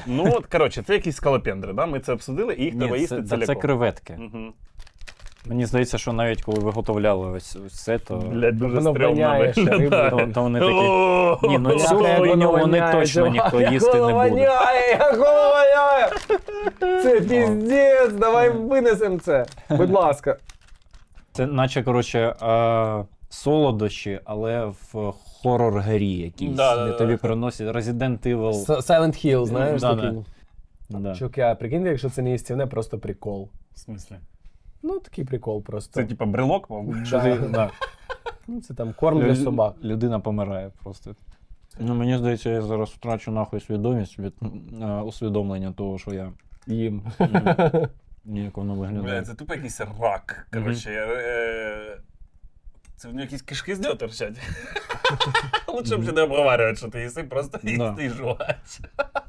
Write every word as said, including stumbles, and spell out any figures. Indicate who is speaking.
Speaker 1: Ну, от, коротше, це якісь скалопендри, да? Ми це обсудили, і їх треба
Speaker 2: Ні,
Speaker 1: їсти
Speaker 2: це, це,
Speaker 1: ціляком.
Speaker 2: це креветки.
Speaker 1: Угу.
Speaker 2: Мені здається, що навіть коли виготовляли ось, ось це, то,
Speaker 1: Блядь, дуже
Speaker 3: Воно
Speaker 1: стрьомно
Speaker 3: воняє ще
Speaker 1: виглядає.
Speaker 2: то, то вони такі...
Speaker 1: О,
Speaker 2: Ні, ну
Speaker 3: Бляха,
Speaker 2: цю
Speaker 3: як
Speaker 2: хуйню
Speaker 3: воно
Speaker 2: вони
Speaker 3: воняє,
Speaker 2: точно
Speaker 3: чувак,
Speaker 2: ніхто
Speaker 3: як
Speaker 2: їсти
Speaker 3: воно
Speaker 2: не буде.
Speaker 3: воняє, як воно воняє! Це піздець, давай винесемо це. Будь ласка.
Speaker 2: Це наче, коротше, е, солодощі, але в хорор-грі якійсь,
Speaker 1: Да, да,
Speaker 2: де
Speaker 1: да,
Speaker 2: тобі
Speaker 1: да.
Speaker 2: приносять Resident Evil.
Speaker 3: Silent Hill, знаєш,
Speaker 2: Да,
Speaker 3: такий.
Speaker 2: Да.
Speaker 3: Чуваки, а прикиньте, якщо це не їстівне, просто прикол.
Speaker 1: В смислі?
Speaker 3: Ну, такий прикол просто.
Speaker 1: Це типа брелок, мабуть?
Speaker 2: Що
Speaker 3: Да.
Speaker 2: ти- да.
Speaker 3: Ну, це там корм для
Speaker 2: Лю-
Speaker 3: собак.
Speaker 2: Людина помирає просто. Ну, мені здається, я зараз втрачу нахуй свідомість від е, усвідомлення того, що я їм. Ні, як воно
Speaker 1: Бля,
Speaker 2: виглядає.
Speaker 1: це тупо якийсь рак. Коротше, е, це в нього якісь кишки з нього торчать. Лучше б ще не обговорювати, що ти їси, просто
Speaker 2: Да.
Speaker 1: їсти і жувати.